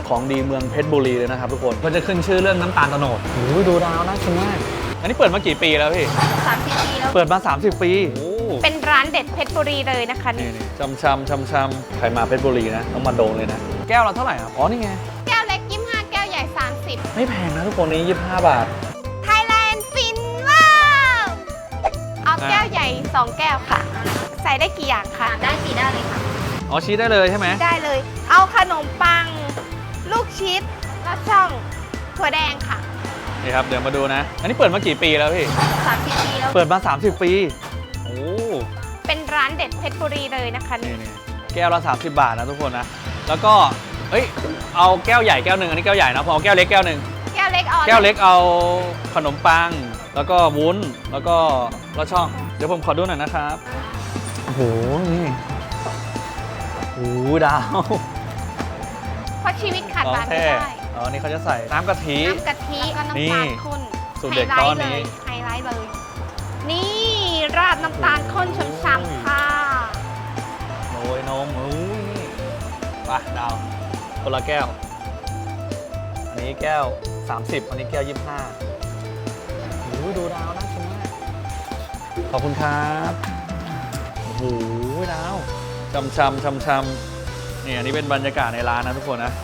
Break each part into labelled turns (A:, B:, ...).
A: ของดีเมืองเพชรบุรีเลยนะครับทุกคนก็จะขึ้นชื่อเรื่องน้ำตาลโตโนดโอ้ยดูดาวน่ากินมากอันนี้เปิดมากี่ปีแล้วพี่
B: 30 ปีแล้ว
A: เปิดมา30 ปีโอ้
B: เป็นร้านเด็ดเพชรบุรีเลยนะคะนี่
A: ชำใครมาเพชรบุรีนะต้องมาโดนเลยนะแก้วละเท่าไหร่ครับอ๋อนี่ไง
B: แก้วเล็ก25แก้วใหญ่30
A: ไม่แพงนะทุกคนนี้25 บาท
B: Thailand ฟินว้าวเอาแก้วใหญ่2แก้วค่ะใส่ได้กี่อย่างคะได้กี่ได้เลยค่ะ
A: อ๋อชี้ได้เลยใช่ไหม
B: ได้เลยเอาขนมปังลูกชิดแล้วช่องถั่วแดงค่ะ
A: นี่ครับเดี๋ยวมาดูนะอันนี้เปิดมากี่ปีแล้วพี่
B: 30 ปีแล้ว
A: เปิดมา30 ปีโอ้
B: เป็นร้านเด็ดเพชรบุรีเลยนะคะ
A: นี่แก้วละ30 บาทนะทุกคนนะแล้วก็เอ้ยเอาแก้วใหญ่แก้วหนึ่งอันนี้แก้วใหญ่นะพอเอาแก้วเล็กแก้วหนึ่ง
B: แก้วเล็ก
A: เอาขนมปังแล้วก็วุ้นแล้วก็ลอดช่องเดี๋ยวผมขอดูหน่อยนะครับโอ้โหนี่โอ้ดาว
B: เพราะชีวิตขาดร้านไม่ได้
A: อ๋อนี่เขาจะใส่น้ำกะทิ
B: แล้วก็น้ำตาลข้น
A: สูตรเด็ดก้อนนี้
B: ไฮไลท์เลยนี่ราดน้ำตาลข้นช้ำๆค่ะ
A: โรยนมไปดาวคนละแก้วอันนี้แก้ว30อันนี้แก้ว25โอ้ดูดาวน่ากินมากขอบคุณครับโอ้โหดาวชำนี่อันนี้เป็นบรรยากาศในร้านนะทุกคนนะ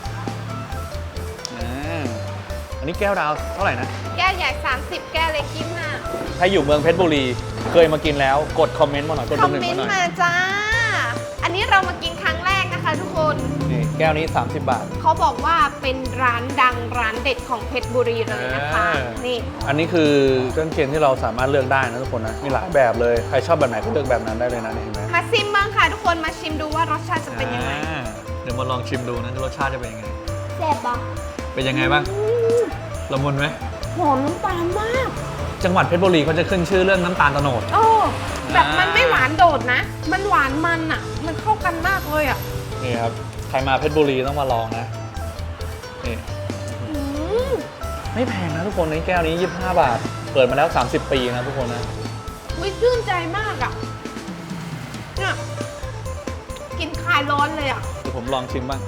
A: อันนี้แก้วดาวเท่าไหร่นะ
B: แก้วใหญ่30แก้วเล็ก25
A: ถ้าอยู่เมืองเพชรบุรีเคยมากินแล้วกดคอมเมนต์มาหน่อยกด1 มาหน่อย
B: มาจ้าอันนี้เรามากินครั้งแรกนะคะทุกคน
A: นี่แก้วนี้30 บาท
B: เขาบอกว่าเป็นร้านดังร้านเด็ดของเพชรบุรีเลยนะคะนี่
A: อันนี้คือเครื่องเคียงที่เราสามารถเลือกได้นะทุกคนนะมีหลายแบบเลยใครชอบแบบไหนก็เลือกแบบนั้นได้เลยนะเห็นไหม
B: มาชิมบ้างค่ะทุกคนมาชิมดูว่ารสชาติจะเป็นยังไง
A: เดี๋ยวมาลองชิมดูนะรสชาติจะเป็นยังไง
B: แซ่บปะ
A: เป็นยังไงบ้างละมุนไหม
B: หอมน้ำตาลมาก
A: จังหวัดเพชรบุรีเขาจะขึ้นชื่อเรื่องน้ำตาลโตโนด
B: แบบมันไม่หวานโดดนะมันหวานมันอ่ะมันเข้ากันมากเลยอ่ะ
A: นี่ครับใครมาเพชรบุรีต้องมาลองนะนี่ไม่แพงนะทุกคนในแก้วนี้25 บาทเปิดมาแล้ว30 ปีนะทุกคนนะ
B: วิชื่นใจมากอ่ะเนี่ยกินคลายร้อนเลยอ่ะ
A: เดี๋ยวผมลองชิมบ้าง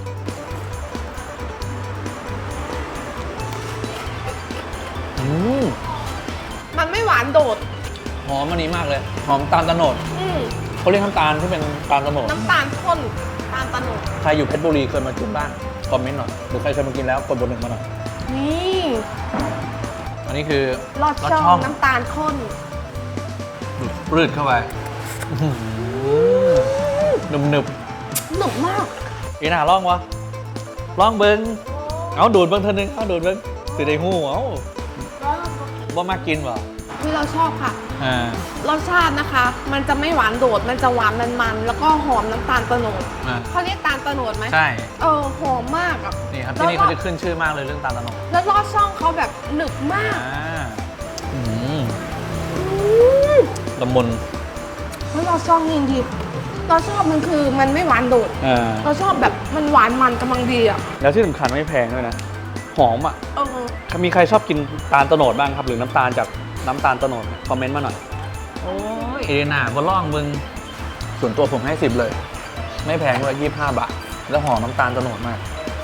B: มันไม่หวานโดด
A: หอมอันนี้มากเลยหอมตาลโตโนดเขาเรียกน้ำตาลที่เป็นตาลโตโนด
B: น้ำตาลข้นตาลโตโนด
A: ใครอยู่เพชรบุรีเคยมากินบ้างคอมเมนต์หน่อยหรือใครเคยมากินแล้วกดบน1 มาหน่อย
B: นี่
A: อันนี้คือ
B: ลอดช่องน้ำตาลข้น
A: รืดเข้าไปหนึบหนึบ
B: มาก
A: อีน่าล่องวะล่องเบิ้งเอาดูดเบิ้งเท่านึงเอาดูดเบิ้งสิได้หูเอาว่ามากินวะ
B: ที่เราชอบค่ะรสชาตินะคะมันจะไม่หวานโดดมันจะหวานมันแล้วก็หอมน้ำตาลโตโนดเขาเรียกตาลโตโนดไหม
A: ใช่
B: หอมมากอ่ะ
A: นี่ครับที่นี่เขาจะขึ้นชื่อมากเลยเรื่องตาลโตโนด
B: แล้วลอดช่องเขาแบบหนึบมาก
A: ละมุน
B: แล้วลอดช่องจริงๆเราชอบมันคือมันไม่หวานโดดเราชอบแบบมันหวานมันกำลังดีอ่ะ
A: แล้วที่สำคัญไม่แพงด้วยนะหอมอ่ะมีใครชอบกินตาลโตโนดบ้างครับหรือน้ำตาลจากน้ำตาลโตโนดคอมเมนต์มาหน่อยโอ้ยเอน่าก็ล่องมึงส่วนตัวผมให้10เลยไม่แพงเลย25 บาทแล้วหอมน้ำตาลโตโนดมาก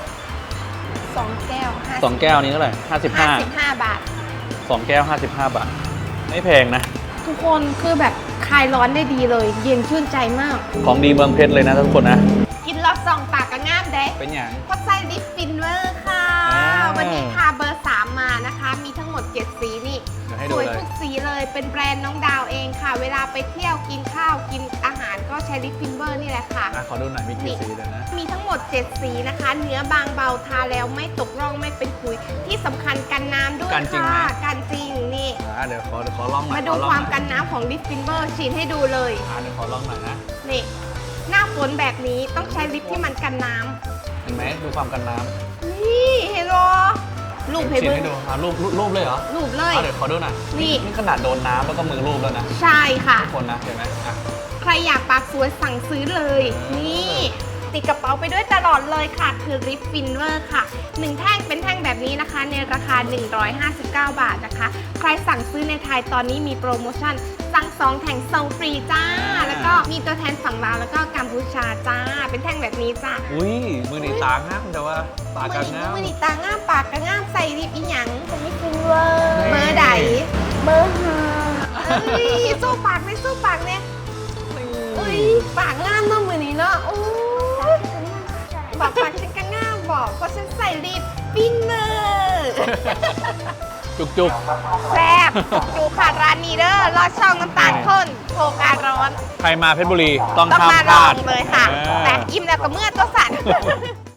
B: 2 แก้ว
A: 2 แก้วนี้เท่าไหร่
B: 55 บาท
A: 2 แก้ว55 บาทไม่แพงนะ
B: ทุกคนคือแบบคลายร้อนได้ดีเลยเย็นชื่นใจมาก
A: ของดีเมืองเพชรเลยนะทุกคนนะ
B: กินรส2 ปากก็งามเด้
A: เป็นอย่าง
B: เพราะไส้ลิปฟินเวอร์ค่ะวันนี้พาเบอร์3มานะคะมีทั้งหมด7สีนี่สวยทุกสีเลยเป็นแบรนด์น้องดาวเองค่ะเวลาไปเที่ยวกินข้าวกินอาหารก็ใช้ลิปฟินเวอร์นี่แหละค่ะ
A: ขอดูหน่อยมีกี่สีเลยนะ
B: มีทั้งหมด7สีนะคะเนื้อบางเบาทาแล้วไม่ตกร่องไม่เป็นขุยที่สำคัญกันน้ำด้วยค่ะกันจริงนี่
A: เดี๋ยวขอลองหน่อย
B: มาดูความกันน้ำของลิปฟินเวอร์ฉีดให้ดูเลย
A: เดี๋ยวขอลองหน่อยนะ
B: นี่หน้าฝนแบบนี้ต้องใช้ลิปที่มันกันน้
A: ำเห็นไหมดูความกันน้
B: ำนี่เฮโรรูป
A: ให้ดูรูปเลยเหรอ
B: รูปเลย
A: เดี๋ยวขอดูหน่อยนี่ขนาดโดนน้ำแล้วก็มือรูปแล้วนะ
B: ใช่ค่ะ
A: ทุกคนนะเห็นไหม
B: ใครอยากปากสวยสั่งซื้อเลยนี่ติดกระเป๋าไปด้วยตลอดเลยค่ะ คือริปฟินเวอร์ค่ะ 1 แท่งเป็นแท่งแบบนี้นะคะ ในราคา 159 บาทนะคะ ใครสั่งซื้อในไทยตอนนี้มีโปรโมชั่น สั่ง 2 แท่งส่งฟรีจ้า แล้วก็มีตัวแทนฝั่งลาวแล้วก็กัมพูชาจ้า เป็นแท่งแบบนี้จ้า
A: อุ้ยมือหนีตางามแต่ว่าปากกันงาม
B: มือนี่ตาง่ามปากกระง่ามใส่ริบอีหยังผมไม่ฟินเวอร์เบอร์ใดเบอร์ห้าเอ้ยสู้ปากเลยสู้ปากเนี่ยอุ้ยปากง่ามเนาะมือนี้เนาะโอ้ยบอกปากฉันก็ง่ามบอกเพราะฉันใส่ริบฟินเวอร์
A: จุก
B: แซ่บดูค่ะร้านนี้เด้อลอดช่องน้ำตาลข้นโคการร้อน
A: ๆใครมาเพชรบุรีต้อง
B: ต้อง
A: ห้าม
B: มา
A: พ
B: ลอ
A: ลาด
B: งเลยค่ะ
A: เออ
B: แต่อิ่มแล้วก็เมื่อตัวสั่น